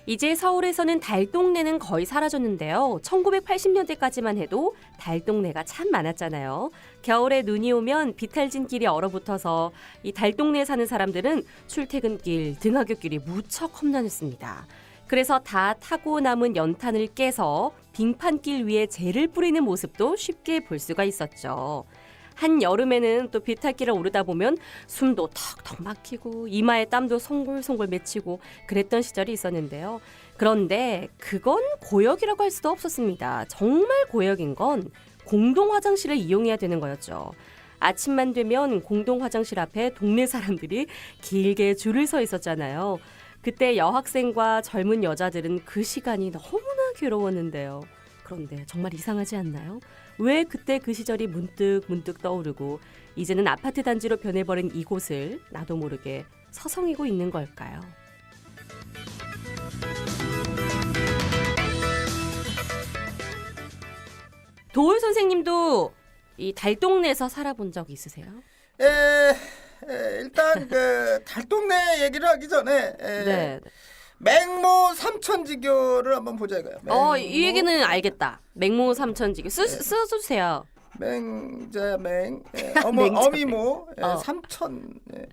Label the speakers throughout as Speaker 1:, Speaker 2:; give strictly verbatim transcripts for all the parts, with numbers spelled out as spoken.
Speaker 1: 이제 서울에서는 달동네는 거의 사라졌는데요. 천구백팔십 년대까지만 해도 달동네가 참 많았잖아요. 겨울에 눈이 오면 비탈진 길이 얼어붙어서 이 달동네에 사는 사람들은 출퇴근길, 등하굣길이 무척 험난했습니다. 그래서 다 타고 남은 연탄을 깨서 빙판길 위에 재를 뿌리는 모습도 쉽게 볼 수가 있었죠. 한 여름에는 또 비탈길을 오르다 보면 숨도 턱턱 막히고 이마에 땀도 송골송골 맺히고 그랬던 시절이 있었는데요. 그런데 그건 고역이라고 할 수도 없었습니다. 정말 고역인 건 공동 화장실을 이용해야 되는 거였죠. 아침만 되면 공동 화장실 앞에 동네 사람들이 길게 줄을 서 있었잖아요. 그때 여학생과 젊은 여자들은 그 시간이 너무나 괴로웠는데요. 그런데 정말 이상하지 않나요? 왜 그때 그 시절이 문득 문득 떠오르고 이제는 아파트 단지로 변해버린 이곳을 나도 모르게 서성이고 있는 걸까요? 도울 선생님도 이 달동네에서 살아본 적 있으세요?
Speaker 2: 에, 에 일단 그 달동네 얘기를 하기 전에 에,
Speaker 1: 네.
Speaker 2: 맹모 삼천지교를 한번 보자 이거야.
Speaker 1: 어, 이 얘기는 알겠다. 맹모 삼천지교 쓰, 써주세요.
Speaker 2: 맹자 맹 예, 어머
Speaker 1: 맹자,
Speaker 2: 어미모 예,
Speaker 1: 어.
Speaker 2: 삼천 예.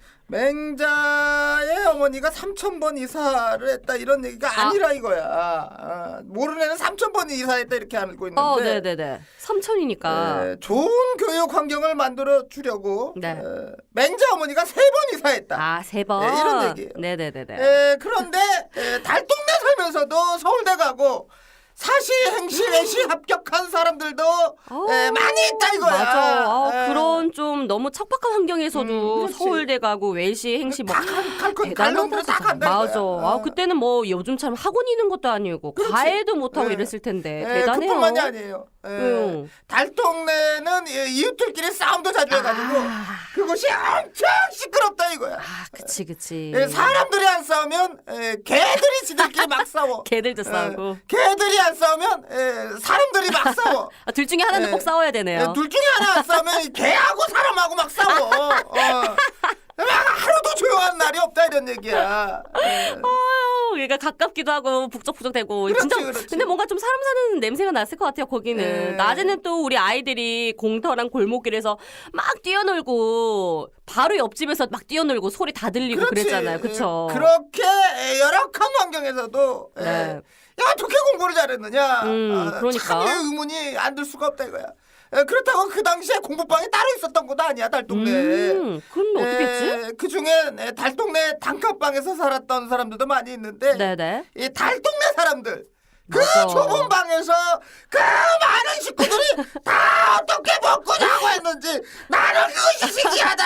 Speaker 2: 맹자의 어머니가 삼천 번 이사를 했다 이런 얘기가
Speaker 1: 아.
Speaker 2: 아니라 이거야. 아, 모르는 애는 삼천 번 이사했다 이렇게 알고 있는데.
Speaker 1: 어, 네네네. 삼천이니까.
Speaker 2: 예, 좋은 교육 환경을 만들어 주려고
Speaker 1: 네.
Speaker 2: 예, 맹자 어머니가 세 번 이사했다.
Speaker 1: 아, 세 번.
Speaker 2: 예, 이런 얘기예요.
Speaker 1: 네네네네.
Speaker 2: 예, 그런데 예, 달동네 살면서도 서울대 가고 사시, 행시, 외시 합격한 사람들도
Speaker 1: 어,
Speaker 2: 예, 많이 있다 이거야.
Speaker 1: 맞아. 아,
Speaker 2: 예.
Speaker 1: 그런 좀 너무 척박한 환경에서도
Speaker 2: 음, 그렇지.
Speaker 1: 서울대 가고 외시, 행시 뭐
Speaker 2: 다 갈- 갈 건- 갈
Speaker 1: 대단하다
Speaker 2: 놈들은 다
Speaker 1: 진짜.
Speaker 2: 간다
Speaker 1: 맞아.
Speaker 2: 이거야.
Speaker 1: 아,
Speaker 2: 어.
Speaker 1: 그때는 뭐 요즘처럼 학원 있는 것도 아니고
Speaker 2: 그렇지.
Speaker 1: 과외도 못 하고
Speaker 2: 예.
Speaker 1: 이랬을 텐데
Speaker 2: 예,
Speaker 1: 대단해요.
Speaker 2: 그뿐만이 아니에요. 예,
Speaker 1: 응.
Speaker 2: 달동네는 예, 이웃들끼리 싸움도 자주 해가지고
Speaker 1: 아,
Speaker 2: 그곳이 엄청 시끄럽다 이거야.
Speaker 1: 아, 그치 그치.
Speaker 2: 예, 사람들이 안 싸우면 예, 개들이 지들끼리 막 싸워.
Speaker 1: 개들도
Speaker 2: 예,
Speaker 1: 싸우고.
Speaker 2: 개들이 안 싸우면 예, 사람들이 막 싸워.
Speaker 1: 아, 둘 중에 하나는
Speaker 2: 예.
Speaker 1: 꼭 싸워야 되네요.
Speaker 2: 예, 둘 중에 하나 안 싸우면 이 개하고 사람하고 막 싸워. 어. 막 하루도 조용한 날이 없다 이런 얘기야. 예.
Speaker 1: 아유, 얘가 가깝기도 하고 북적북적대고
Speaker 2: 그렇지,
Speaker 1: 진짜
Speaker 2: 그렇지.
Speaker 1: 근데 뭔가 좀 사람 사는 냄새가 났을 것 같아요 거기는.
Speaker 2: 예.
Speaker 1: 낮에는 또 우리 아이들이 공터랑 골목길에서 막 뛰어놀고 바로 옆집에서 막 뛰어놀고 소리 다 들리고
Speaker 2: 그렇지.
Speaker 1: 그랬잖아요, 그렇죠?
Speaker 2: 예, 그렇게 열악한 환경에서도 예.
Speaker 1: 네.
Speaker 2: 야 어떻게 공부를 잘했느냐.
Speaker 1: 음,
Speaker 2: 아,
Speaker 1: 그러니까.
Speaker 2: 참 의문이 안 들 수가 없다 이거야. 예, 그렇다고 그 당시에 공부방이 따로 있었던 것도 아니야 달동네.
Speaker 1: 음, 그럼 어떻게 했지?
Speaker 2: 그 중에 달동네 단칸방에서 살았던 사람들도 많이 있는데
Speaker 1: 네네.
Speaker 2: 이 달동네 사람들 그
Speaker 1: 맞아.
Speaker 2: 좁은 방에서 그 많은 식구들이 다 어떻게 먹고 자고 했는지 나는 그것이 신기하다.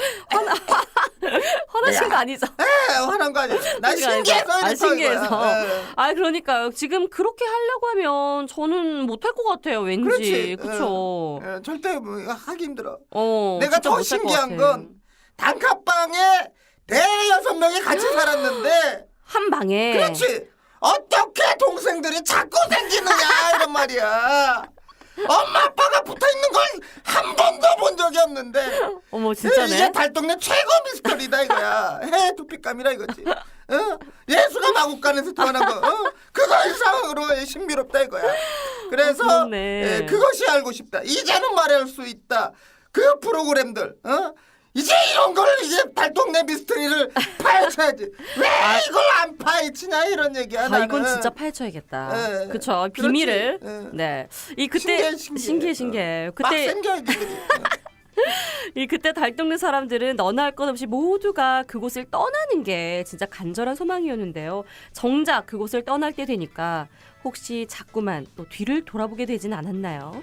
Speaker 1: 화나신
Speaker 2: 야.
Speaker 1: 거 아니죠?
Speaker 2: 에 화난 거 아니야. 난 신기해서
Speaker 1: 아,
Speaker 2: 이랬어,
Speaker 1: 신기해서.
Speaker 2: 이거야. 예.
Speaker 1: 아, 그러니까요. 지금 그렇게 하려고 하면 저는 못할 것 같아요, 왠지.
Speaker 2: 그렇지.
Speaker 1: 그쵸?
Speaker 2: 예, 예, 절대 뭐 이거 하기 힘들어.
Speaker 1: 어,
Speaker 2: 내가
Speaker 1: 진짜
Speaker 2: 더
Speaker 1: 못할 것
Speaker 2: 신기한
Speaker 1: 같아.
Speaker 2: 건 단칸방에 대여섯 명이 같이 살았는데
Speaker 1: 한 방에.
Speaker 2: 그렇지. 어떻게 동생들이 자꾸 생기느냐 이런 말이야. 엄마 아빠가 붙어있는 걸 한 번도 본 적이 없는데
Speaker 1: 어머,
Speaker 2: 이게
Speaker 1: 진짜네.
Speaker 2: 달동네 최고 미스터리다 이거야. 해 두피감이라 이거지. 어? 예수가 마국간에서 태어난 거 어? 그거 이상으로 신비롭다 이거야. 그래서
Speaker 1: 아, 그렇네.
Speaker 2: 예, 그것이 알고 싶다. 이제는 말할 수 있다. 그 프로그램들 어? 이제 이런 걸 이제 달동네 미스터리를 파헤쳐야지. 왜 이걸 안 파헤치냐 이런 얘기야.
Speaker 1: 아,
Speaker 2: 나는.
Speaker 1: 이건 진짜 파헤쳐야겠다.
Speaker 2: 예.
Speaker 1: 그쵸. 비밀을.
Speaker 2: 그렇지. 예.
Speaker 1: 네. 이 그때
Speaker 2: 신기해, 신기해.
Speaker 1: 신기해 신기해.
Speaker 2: 막
Speaker 1: 그때
Speaker 2: 생겨야지.
Speaker 1: 이 그때 달동네 사람들은 너나 할 것 없이 모두가 그곳을 떠나는 게 진짜 간절한 소망이었는데요. 정작 그곳을 떠날 때 되니까 혹시 자꾸만 또 뒤를 돌아보게 되진 않았나요?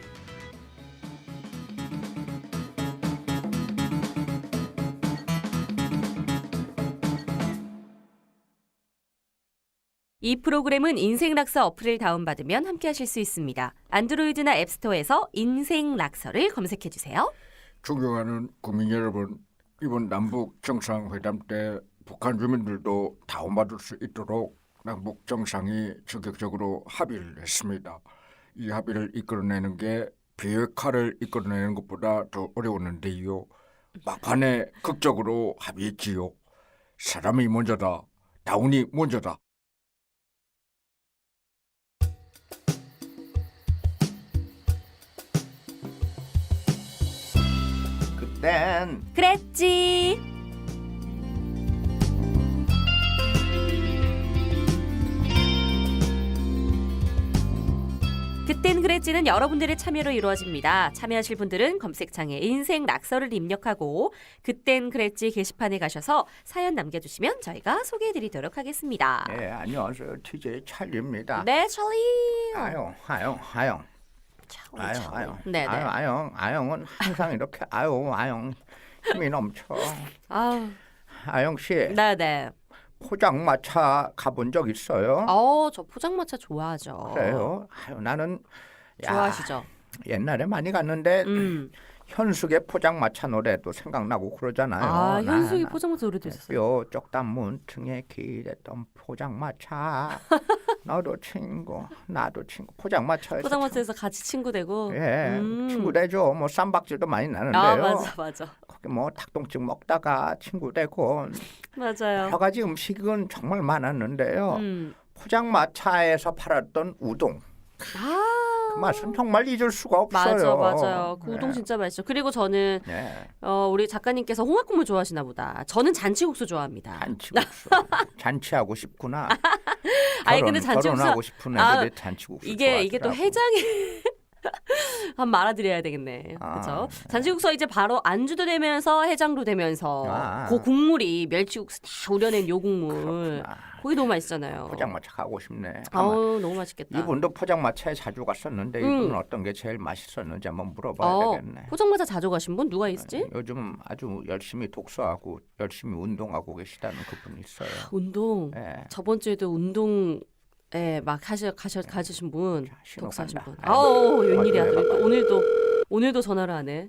Speaker 1: 이 프로그램은 인생락서 어플을 다운받으면 함께하실 수 있습니다. 안드로이드나 앱스토어에서 인생락서를 검색해주세요.
Speaker 3: 존경하는 국민 여러분, 이번 남북 정상회담 때 북한 주민들도 다운받을 수 있도록 남북 정상이 적극적으로 합의를 했습니다. 이 합의를 이끌어내는 게 비핵화를 이끌어내는 것보다 더 어려웠는데요. 막판에 극적으로 합의했지요. 사람이 먼저다, 다운이 먼저다.
Speaker 2: 그땐
Speaker 1: 그랬지. 그땐 그랬지는 여러분들의 참여로 이루어집니다. 참여하실 분들은 검색창에 인생 낙서를 입력하고 그땐 그랬지 게시판에 가셔서 사연 남겨주시면 저희가 소개해드리도록 하겠습니다.
Speaker 3: 예, 안녕하세요. 티제이 찰리입니다.
Speaker 1: 네, 찰리.
Speaker 3: 아영, 아영, 아영.
Speaker 1: 찰리,
Speaker 3: 아영,
Speaker 1: 찰리.
Speaker 3: 아영.
Speaker 1: 네, 네.
Speaker 3: 아영, 아영, 아영은 항상 이렇게 아유, 아영 힘이 넘쳐.
Speaker 1: 아,
Speaker 3: 아영 씨,
Speaker 1: 네, 네.
Speaker 3: 포장마차 가본 적 있어요?
Speaker 1: 어, 저 포장마차 좋아하죠.
Speaker 3: 그래요? 아유, 나는 야,
Speaker 1: 좋아하시죠?
Speaker 3: 옛날에 많이 갔는데
Speaker 1: 음.
Speaker 3: 현숙의 포장마차 노래도 생각나고 그러잖아요.
Speaker 1: 아,
Speaker 3: 나,
Speaker 1: 현숙이
Speaker 3: 나,
Speaker 1: 포장마차 노래도 있었어요.
Speaker 3: 뾰족 단문 등에 기댔던 포장마차 너도 친구 나도 친구 포장마차에서
Speaker 1: 포장마차에서 같이 친구 되고.
Speaker 3: 참, 예
Speaker 1: 음.
Speaker 3: 친구 되죠. 뭐 쌈박질도 많이 나는데요.
Speaker 1: 아, 맞아, 맞아.
Speaker 3: 거기 뭐 닭똥집 먹다가 친구 되고
Speaker 1: 맞아요.
Speaker 3: 여러 가지 음식은 정말 많았는데요.
Speaker 1: 음.
Speaker 3: 포장마차에서 팔았던 우동
Speaker 1: 아,
Speaker 3: 그 맛은 정말 잊을 수가 없어요.
Speaker 1: 맞아, 맞아요. 그 우동
Speaker 3: 네.
Speaker 1: 진짜 맛있죠. 그리고 저는
Speaker 3: 네.
Speaker 1: 어, 우리 작가님께서 홍합국물 좋아하시나 보다. 저는 잔치국수 좋아합니다.
Speaker 3: 잔치국수 잔치하고 싶구나.
Speaker 1: 아니,
Speaker 3: 결혼,
Speaker 1: 근데 잔치국수-
Speaker 3: 결혼하고 싶은
Speaker 1: 아,
Speaker 3: 애들이 잔치국수
Speaker 1: 이게 이게 또
Speaker 3: 좋아하더라고.
Speaker 1: 해장에 한 말아드려야 되겠네.
Speaker 3: 아,
Speaker 1: 그렇죠?
Speaker 3: 네.
Speaker 1: 잔치국수 이제 바로 안주도 되면서 해장도 되면서
Speaker 3: 아.
Speaker 1: 그 국물이 멸치국수 다 우려낸 요 국물.
Speaker 3: 그렇구나.
Speaker 1: 거기 너무 맛있잖아요.
Speaker 3: 포장마차 가고 싶네. 아마
Speaker 1: 아우, 너무 맛있겠다.
Speaker 3: 이분도 포장마차에 자주 갔었는데
Speaker 1: 음.
Speaker 3: 이분은 어떤 게 제일 맛있었는지 한번 물어봐야
Speaker 1: 어,
Speaker 3: 되겠네.
Speaker 1: 포장마차 자주 가신 분 누가 있지?
Speaker 3: 요즘 아주 열심히 독서하고 열심히 운동하고 계시다는 그분이 있어요.
Speaker 1: 운동.
Speaker 3: 예.
Speaker 1: 저번 주에도 운동에 막 하셔 가셔 가지신 분,
Speaker 3: 자, 신호
Speaker 1: 독서하신
Speaker 3: 간다.
Speaker 1: 분. 아우, 웬일이야.
Speaker 3: 어디 해봐봐.
Speaker 1: 또 오늘도 오늘도 전화를 하네.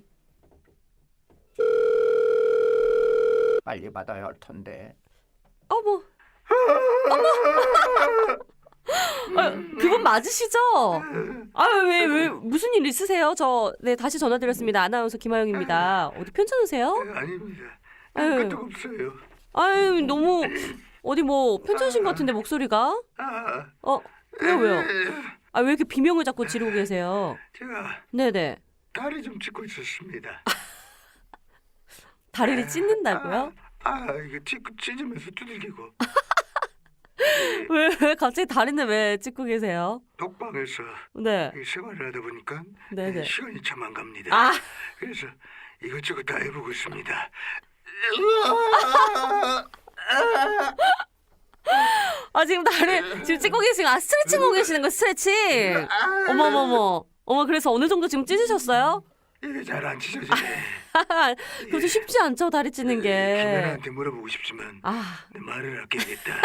Speaker 3: 빨리 받아야 할 텐데.
Speaker 1: 어머. 어머. 아, 그분 맞으시죠? 아유, 왜, 왜, 무슨 일 있으세요? 저, 네, 다시 전화드렸습니다. 아나운서 김하영입니다. 어디 편찮으세요?
Speaker 4: 아닙니다.
Speaker 1: 아유.
Speaker 4: 끄떡 없어요.
Speaker 1: 아유, 너무, 어디 뭐, 편찮으신 것 같은데, 목소리가?
Speaker 4: 아,
Speaker 1: 어, 왜요, 왜요? 아, 왜 이렇게 비명을 자꾸 지르고 계세요?
Speaker 4: 제가
Speaker 1: 네네.
Speaker 4: 다리 좀 찢고 있었습니다.
Speaker 1: 다리를 찢는다고요?
Speaker 4: 아, 아 이거 찢고 찢으면서 두들기고
Speaker 1: 왜, 왜 갑자기 다리는 왜 찢고 계세요?
Speaker 4: 독방에서
Speaker 1: 네.
Speaker 4: 이 생활을 하다 보니까
Speaker 1: 네네.
Speaker 4: 시간이 참 안 갑니다.
Speaker 1: 아,
Speaker 4: 그래서 이것저것 다 해보고 있습니다.
Speaker 1: 아, 지금 다리, 지금 찢고 계시고, 아, 스트레칭 하고 계시는 거, 스트레칭? 어머머머. 어머, 그래서 어느 정도 지금 찢으셨어요?
Speaker 4: 이게 잘 안 찢어지네.
Speaker 1: 그것도 쉽지 않죠, 다리 찢는 게.
Speaker 4: 김연아한테 물어보고 싶지만
Speaker 1: 아,
Speaker 4: 내 말을 아껴야겠다.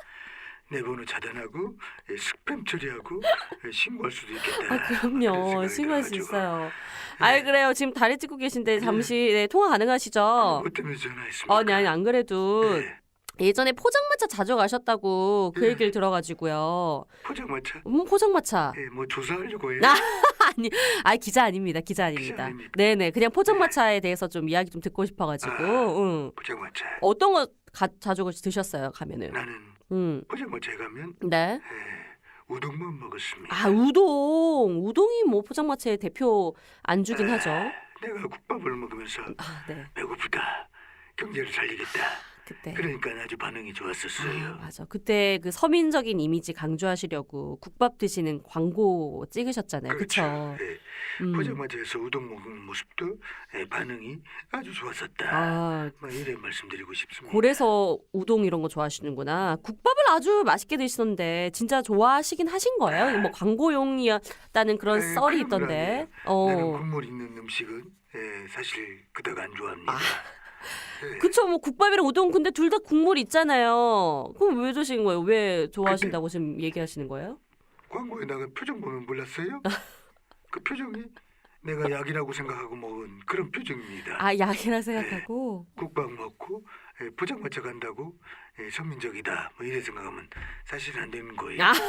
Speaker 4: 내 번호 차단하고 예, 스팸 처리하고 예, 신고할 수도 있겠다.
Speaker 1: 아,
Speaker 4: 그런
Speaker 1: 그럼요.
Speaker 4: 생각이
Speaker 1: 신고할 수
Speaker 4: 들어가지고.
Speaker 1: 있어요. 아이, 그래요. 지금 다리 찢고 계신데 잠시 네, 통화 가능하시죠?
Speaker 4: 뭐 때문에 전화했습니까?
Speaker 1: 아니, 아니, 안 그래도
Speaker 4: 네.
Speaker 1: 예전에 포장마차 자주 가셨다고 그 얘기를 들어가지고요.
Speaker 4: 포장마차?
Speaker 1: 음, 포장마차.
Speaker 4: 예, 뭐 조사하려고 해요?
Speaker 1: 아, 아니, 아니, 기자 아닙니다. 기자 아닙니다.
Speaker 4: 아닙니까?
Speaker 1: 네네. 그냥 포장마차에 대해서 좀 이야기 좀 듣고 싶어가지고.
Speaker 4: 아.
Speaker 1: 응.
Speaker 4: 포장마차.
Speaker 1: 어떤 거 가, 자주 드셨어요, 가면은?
Speaker 4: 나는
Speaker 1: 응.
Speaker 4: 포장마차에 가면
Speaker 1: 네.
Speaker 4: 예, 우동만 먹었습니다.
Speaker 1: 아, 우동. 우동이 뭐 포장마차의 대표 안주긴 하죠.
Speaker 4: 내가 국밥을 먹으면서
Speaker 1: 아, 네.
Speaker 4: 배고프다. 경제를 살리겠다.
Speaker 1: 그때.
Speaker 4: 그러니까 아주 반응이 좋았었어요.
Speaker 1: 아, 맞아. 그때 그 서민적인 이미지 강조하시려고 국밥 드시는 광고 찍으셨잖아요. 그쵸?
Speaker 4: 예,
Speaker 1: 음.
Speaker 4: 포장마차에서 우동 먹는 모습도 예, 반응이 아주 좋았었다.
Speaker 1: 아,
Speaker 4: 뭐 이래 말씀드리고 싶습니다.
Speaker 1: 고래서 우동 이런 거 좋아하시는구나. 국밥을 아주 맛있게 드시던데 진짜 좋아하시긴 하신 거예요? 뭐 광고용이었다는 그런
Speaker 4: 에이,
Speaker 1: 썰이
Speaker 4: 그런 건
Speaker 1: 있던데.
Speaker 4: 아니에요.
Speaker 1: 어.
Speaker 4: 나는 국물 있는 음식은 예, 사실 그닥 안 좋아합니다. 예,
Speaker 1: 그쵸, 뭐 국밥이랑 우동 근데 둘 다 국물 있잖아요. 그럼 왜 드시는 거예요? 왜 좋아하신다고 지금 얘기하시는 거예요?
Speaker 4: 광고에다가 표정 보면 몰랐어요? 그 표정이 내가 약이라고 생각하고 먹은 그런 표정입니다.
Speaker 1: 아, 약이라 생각하고.
Speaker 4: 국밥 먹고 예, 포장마차 간다고 예, 선민적이다 뭐 이래 생각하면 사실 안 되는 거예요.
Speaker 1: 아,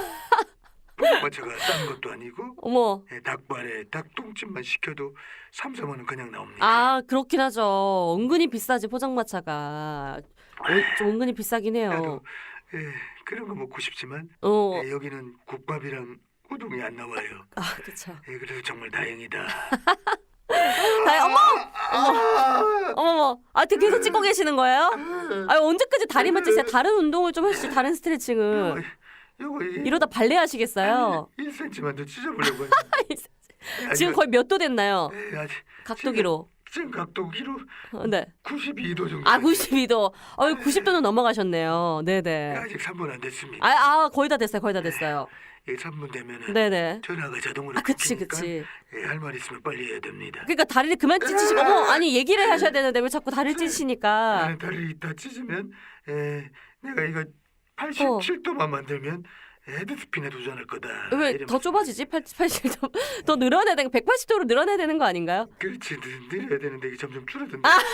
Speaker 4: 포장마차가 싼 것도 아니고
Speaker 1: 어머.
Speaker 4: 예, 닭발에 닭똥집만 시켜도 삼, 사만 원 그냥 나옵니다.
Speaker 1: 아, 그렇긴 하죠. 은근히 비싸지, 포장마차가. 어, 좀 은근히 비싸긴 해요.
Speaker 4: 나도 예, 그런 거 먹고 싶지만
Speaker 1: 어.
Speaker 4: 예, 여기는 국밥이랑 우동이 안 나와요.
Speaker 1: 아, 그쵸.
Speaker 4: 예, 그래서 정말 다행이다.
Speaker 1: 다 어머!
Speaker 4: 아,
Speaker 1: 어머. 아, 되게 계속 찍고 계시는 거예요? 아, 언제까지 다리만 찌세요? 다른 운동을 좀 하시지. 다른 스트레칭은.
Speaker 4: 요거 이게
Speaker 1: 이러다 발레 하시겠어요?
Speaker 4: 일 센티미터만 더 찢어보려고.
Speaker 1: 지금 거의 몇 도 됐나요?
Speaker 4: 네, 아직
Speaker 1: 각도기로.
Speaker 4: 지금 각도기로
Speaker 1: 어, 네.
Speaker 4: 구십이 도 정도.
Speaker 1: 아, 구십이 도. 어, 구십 도는 넘어가셨네요. 네네.
Speaker 4: 아직 삼 분 안 됐습니다.
Speaker 1: 아, 아, 거의 다 됐어요. 거의 다 됐어요.
Speaker 4: 이 삼 분 되면은
Speaker 1: 네네.
Speaker 4: 전화가 자동으로
Speaker 1: 아, 그치,
Speaker 4: 끊기니까,
Speaker 1: 그치.
Speaker 4: 예, 할 말 있으면 빨리 해야 됩니다.
Speaker 1: 그러니까 다리를 그만 찢으시고, 어머, 아니, 얘기를 하셔야 되는데 왜 자꾸 다리를 찢으시니까.
Speaker 4: 아, 다리 다 찢으면 에, 내가 이거 팔십칠 도만 만들면 헤드스핀에 도전할 거다.
Speaker 1: 왜
Speaker 4: 이러면서.
Speaker 1: 더 좁아지지? 팔십 도. 더 늘어나야 되는, 백팔십 도로 늘어나야 되는 거 아닌가요?
Speaker 4: 그렇지, 늘- 늘려야 되는데 이게 점점 줄어든다.
Speaker 1: 아.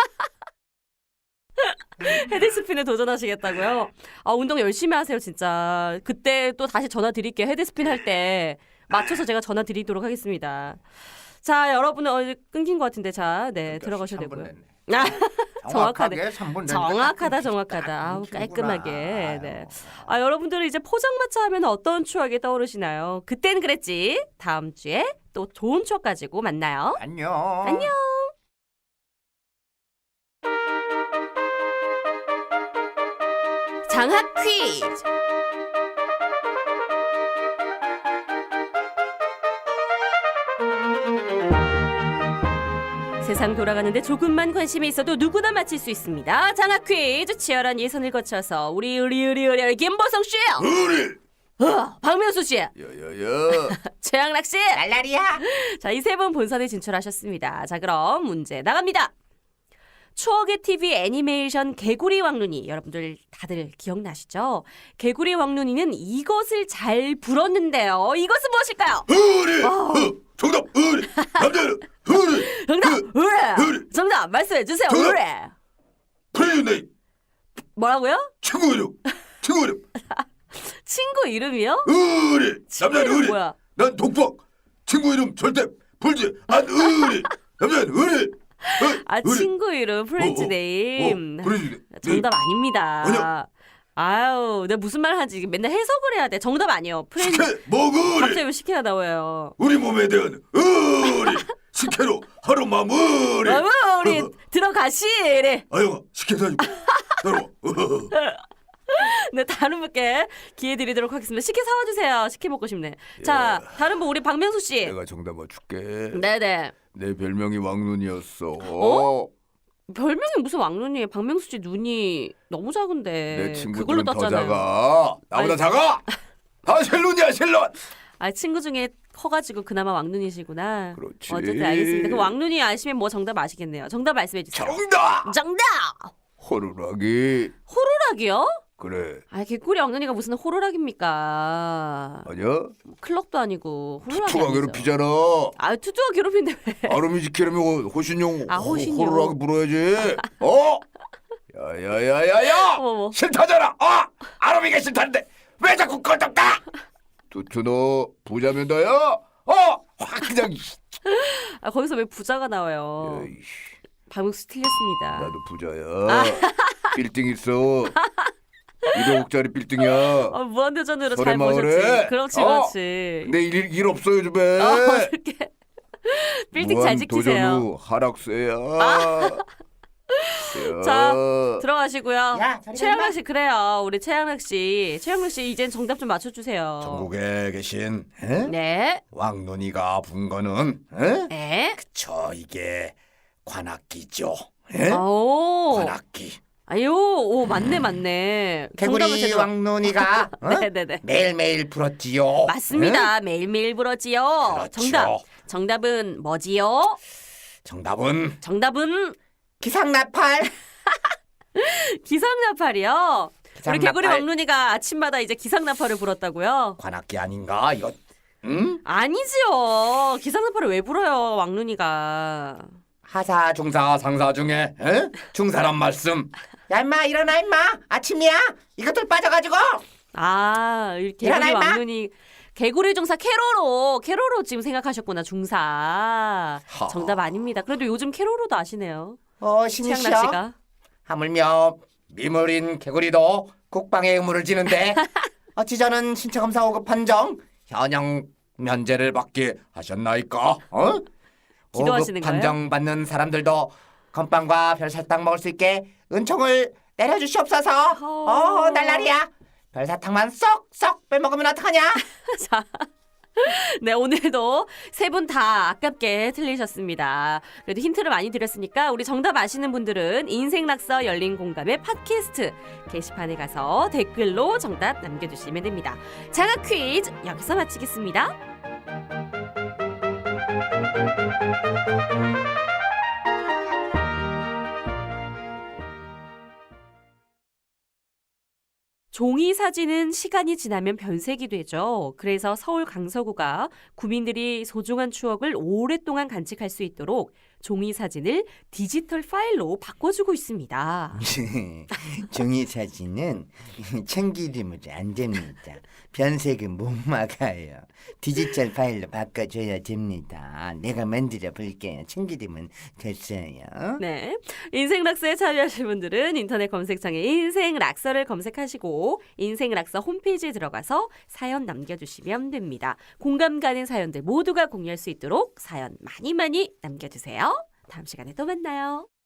Speaker 1: 헤드스핀에 도전하시겠다고요? 아, 운동 열심히 하세요, 진짜. 그때 또 다시 전화 드릴게요. 헤드스핀 할 때 맞춰서 제가 전화 드리도록 하겠습니다. 자, 여러분은 어, 끊긴 것 같은데, 자, 네, 들어가셔도 되고요. 아, 정확하네.
Speaker 2: 삼 분
Speaker 1: 정확하다, 정확하다. 아우, 깔끔하게. 네. 아, 여러분들은 이제 포장마차 하면 어떤 추억이 떠오르시나요? 그땐 그랬지. 다음 주에 또 좋은 추억 가지고 만나요.
Speaker 2: 안녕.
Speaker 1: 안녕. 장학 퀴즈. 세상 돌아가는데 조금만 관심이 있어도 누구나 맞힐 수 있습니다. 장학 퀴즈 치열한 예선을 거쳐서 우리 우리 우리 우리 김보성 씨,
Speaker 3: 우리
Speaker 1: 어, 박명수 씨,
Speaker 3: 야야야.
Speaker 1: 최양락 씨,
Speaker 2: 날라리야.
Speaker 1: 자, 이 세 분 본선에 진출하셨습니다. 자, 그럼 문제 나갑니다. 추억의 티비 애니메이션 개구리 왕눈이 여러분들 다들 기억나시죠? 개구리 왕눈이는 이것을 잘 불었는데요. 이것은 무엇일까요?
Speaker 3: 우리
Speaker 1: 어.
Speaker 3: 정답 우리 남자는 우리
Speaker 1: 정답! 으레!
Speaker 3: 으레!
Speaker 1: 정답 말씀해 주세요.
Speaker 3: 정답!
Speaker 1: 으레!
Speaker 3: 프레즈네이
Speaker 1: 뭐라고요?
Speaker 3: 친구 이름 친구 이름
Speaker 1: 친구 이름이요?
Speaker 3: 우리
Speaker 1: 친구
Speaker 3: 남자는
Speaker 1: 이름
Speaker 3: 우리
Speaker 1: 뭐야?
Speaker 3: 난 독박 친구 이름 절대 불지 안 우리 남자는 우리
Speaker 1: 아, 친구 이름 프렌즈 네임.
Speaker 3: 프레즈네이
Speaker 1: 정답 아닙니다.
Speaker 3: 아니요.
Speaker 1: 아유, 내가 무슨 말 하지? 맨날 해석을 해야 돼. 정답 아니에요. 프렌즈.
Speaker 3: 식혜 먹으리
Speaker 1: 갑자기 왜 식혜가 나와요?
Speaker 3: 우리 몸에 대한 우리 식혜로 하루 마무리
Speaker 1: 어머, 우리 들어가시래.
Speaker 3: 아영아 식혜도 아니고 따라와
Speaker 1: 네, 다른 분께 기회 드리도록 하겠습니다. 식혜 사와 주세요. 식혜 먹고 싶네. 자, 다른 분 우리 박명수 씨.
Speaker 3: 내가 정답 맞출게
Speaker 1: 네네.
Speaker 3: 내 별명이 왕눈이었어
Speaker 1: 어? 별명이 무슨 왕눈이에요? 박명수 씨 눈이 너무 작은데.
Speaker 3: 내
Speaker 1: 그걸로
Speaker 3: 친구들은 더
Speaker 1: 떴잖아요.
Speaker 3: 작아 나보다
Speaker 1: 아니.
Speaker 3: 작아 다 셀룬이야 셀룬
Speaker 1: 아, 친구 중에 커가지고 그나마 왕눈이시구나.
Speaker 3: 그렇지.
Speaker 1: 어쨌든 알겠습니다. 그 왕눈이 아시면 뭐 정답 아시겠네요. 정답 말씀해 주세요.
Speaker 3: 정답
Speaker 1: 정답!
Speaker 3: 호루라기
Speaker 1: 호루라기요?
Speaker 3: 그래
Speaker 1: 아, 개꿀이 왕눈이가 무슨 호루라기입니까?
Speaker 3: 아니야
Speaker 1: 클럽도 아니고 호루라기
Speaker 3: 투투가
Speaker 1: 아니죠.
Speaker 3: 괴롭히잖아
Speaker 1: 아, 투투가 괴롭힌데 왜?
Speaker 3: 아름이 지키려면 호신용
Speaker 1: 아, 호신용.
Speaker 3: 호루라기 불어야지 어? 야야야야야
Speaker 1: 어머.
Speaker 3: 싫다잖아 어? 아름이가 싫다는데 왜 자꾸 꺼졌다 투투 너 부자면 다야 어? 확 그냥
Speaker 1: 아, 거기서 왜 부자가 나와요?
Speaker 3: 에이씨,
Speaker 1: 박명수 틀렸습니다.
Speaker 3: 나도 부자야 빌딩 있어 일억짜리 빌딩이야
Speaker 1: 어, 무한도전으로 잘
Speaker 3: 설해마을에?
Speaker 1: 보셨지. 그렇지,
Speaker 3: 어.
Speaker 1: 그렇지.
Speaker 3: 근데 일, 일 없어 요즘에
Speaker 1: 어, 이렇게 빌딩 잘 지키세요. 아.
Speaker 3: 무한도전 후 하락세야 야.
Speaker 1: 자, 들어가시고요.
Speaker 2: 야, 저리
Speaker 1: 최양락 씨 그래요. 우리 최양락 씨. 최양락 씨 이젠 정답 좀 맞춰 주세요.
Speaker 3: 전국에 계신 에?
Speaker 1: 네.
Speaker 3: 왕눈이가 분 거는 에?
Speaker 1: 네.
Speaker 3: 저 이게 관악기죠 에?
Speaker 1: 오.
Speaker 3: 관악기
Speaker 1: 아유, 오, 맞네, 맞네. 정답을
Speaker 2: 개구리
Speaker 1: 제대로.
Speaker 2: 왕눈이가 어?
Speaker 1: 네네네.
Speaker 2: 매일매일 불었지요.
Speaker 1: 맞습니다. 매일매일 불어지요.
Speaker 3: 그렇죠.
Speaker 1: 정답. 정답은 뭐지요?
Speaker 3: 정답은
Speaker 1: 정답은
Speaker 2: 기상나팔.
Speaker 1: 기상나팔이요. 우리
Speaker 2: 기상나팔.
Speaker 1: 개구리 왕눈이가 아침마다 이제 기상나팔을 불었다고요?
Speaker 3: 관악기 아닌가 이거 응?
Speaker 1: 아니지요. 기상나팔을 왜 불어요, 왕눈이가?
Speaker 3: 하사 중사 상사 중에 에? 중사란 말씀
Speaker 2: 야 임마 일어나 임마. 아침이야. 이것들 빠져가지고.
Speaker 1: 아, 이 개구리
Speaker 2: 일어나, 임마.
Speaker 1: 왕눈이 개구리 중사 캐로로 캐로로 지금 생각하셨구나. 중사.
Speaker 3: 하.
Speaker 1: 정답 아닙니다. 그래도 요즘 캐로로도 아시네요.
Speaker 2: 어
Speaker 1: 최양락
Speaker 2: 신이시여.
Speaker 1: 씨가.
Speaker 2: 하물며 미물인 개구리도 국방의 의무를 지는데 어찌 저는 신체 검사 오 급 판정 현역 면제를 받게 하셨나이까? 어?
Speaker 1: 기도하시는
Speaker 2: 오 급
Speaker 1: 거예요?
Speaker 2: 판정 받는 사람들도 건빵과 별사탕 먹을 수 있게 은총을 내려주시옵소서.
Speaker 1: 어.
Speaker 2: 어, 날라리야. 별사탕만 쏙쏙 빼먹으면 어떡하냐?
Speaker 1: 자, 네, 오늘도 세 분 다 아깝게 틀리셨습니다. 그래도 힌트를 많이 드렸으니까 우리 정답 아시는 분들은 인생락서 열린 공감의 팟캐스트 게시판에 가서 댓글로 정답 남겨주시면 됩니다. 장학 퀴즈 여기서 마치겠습니다. 종이 사진은 시간이 지나면 변색이 되죠. 그래서 서울 강서구가 구민들이 소중한 추억을 오랫동안 간직할 수 있도록 종이 사진을 디지털 파일로 바꿔주고 있습니다.
Speaker 5: 종이 사진은 참기름으로 안 됩니다. 변색은 못 막아요. 디지털 파일로 바꿔줘야 됩니다. 내가 만들어 볼게요. 참기름은 됐어요.
Speaker 1: 네, 인생락서에 참여하실 분들은 인터넷 검색창에 인생락서를 검색하시고 인생락서 홈페이지에 들어가서 사연 남겨주시면 됩니다. 공감 가는 사연들 모두가 공유할 수 있도록 사연 많이 많이 남겨주세요. 다음 시간에 또 만나요.